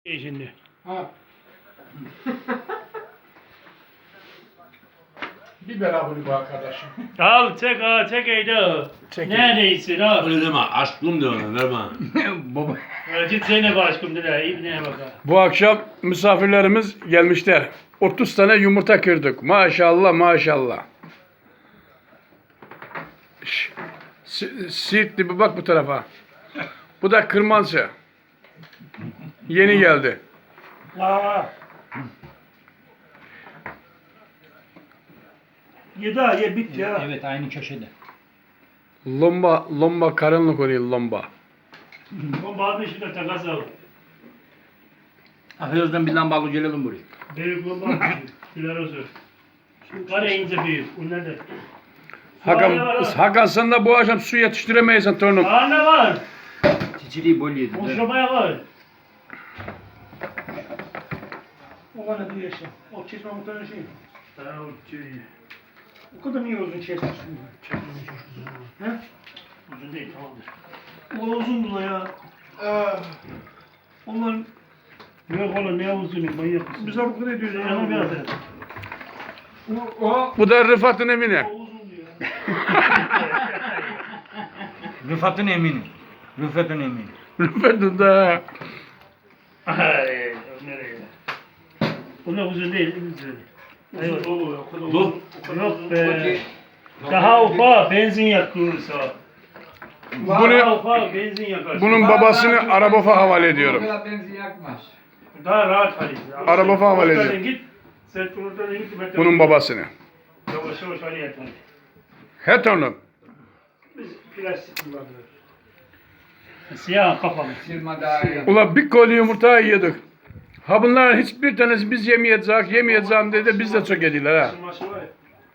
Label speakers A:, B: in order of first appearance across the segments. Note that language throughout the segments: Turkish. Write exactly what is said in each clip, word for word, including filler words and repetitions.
A: İyi şimdi.
B: Ha. Biber abını bu arkadaşım.
A: Al çek ha çek eyde.
B: Çekeyim.
A: Neredeysin ha?
C: Öyle deme, aşkım de ona, verme.
B: Baba.
A: Git seni başkım dile. İbneye bak ha.
D: Bu akşam misafirlerimiz gelmişler. otuz tane yumurta kırdık. Maşallah maşallah. Şş, Si- Siirtli bir bak bu tarafa. Bu da Kırmansı. Yeni geldi.
A: Aa. Ye daha ye bit ya.
E: Evet, aynı köşede.
D: Lomba, lomba karınlık oluyor lomba.
A: O bazı işinde takas al.
E: Ahırdan bir lambalı gelelim buraya.
A: Büyük bomba. Güler olsun. Var ya ince büyük. Bunlar da.
D: Hakan, Hakan sen de bu akşam su yetiştiremeysen torunum.
A: Aa ne var?
E: Çiçiliği bol yedin.
A: Boşlamaya var. O bana bir yaşa. O çizme muhtemelen şey. Tamam, çizme. O kadar niye uzun kesmişsin? Çekmemiş uzun. He? Uzun değil, tamamdır. O uzundu da ya. Onlar... Yok oğlum ne uzun, manyak mısın? Biz bu kadar ediyoruz ya. Yana bir adet.
B: O
D: Bu da Rıfat'ın evine.
A: O uzun diyor.
E: Rıfat'ın emini. Rıfat'ın emini.
D: Rıfat'ın da.
A: Ay, nereye? Onlar uzun değil, uzun. Hayır.
C: Dur.
A: Yok be. Daha ufak benzin yakıyorsa.
D: Bunu,
A: Daha ufak benzin yakar.
D: bunun babasını Arabof'a havale
B: O
D: ediyorum.
B: kadar benzin yakmaz.
A: Daha rahat halinde.
D: Araba falan var
A: Oradan
D: ediyor.
A: git. Sen oradan git. ben de-
D: Bunun babasını.
A: Yavaş yavaş hali yeter.
D: He torunum.
A: Biz plastik kullanıyoruz. Siyah kafalı.
B: Silma daha iyi.
D: Ula bir koli yumurta yiyorduk. Ha bunların hiçbir tanesi biz yemeyeceğiz, yemeyeceğim dedi biz de çok yediler ha.
A: Maşı var ya.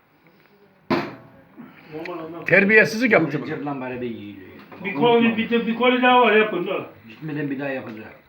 A: Normal ondan.
D: Terbiyesizlik yaptı bunu.
E: Cırlan bari de yiyiliyor.
A: Bir koli, bir, de- bir koli daha var yapın da.
E: Gitmeden bir daha yapacağız.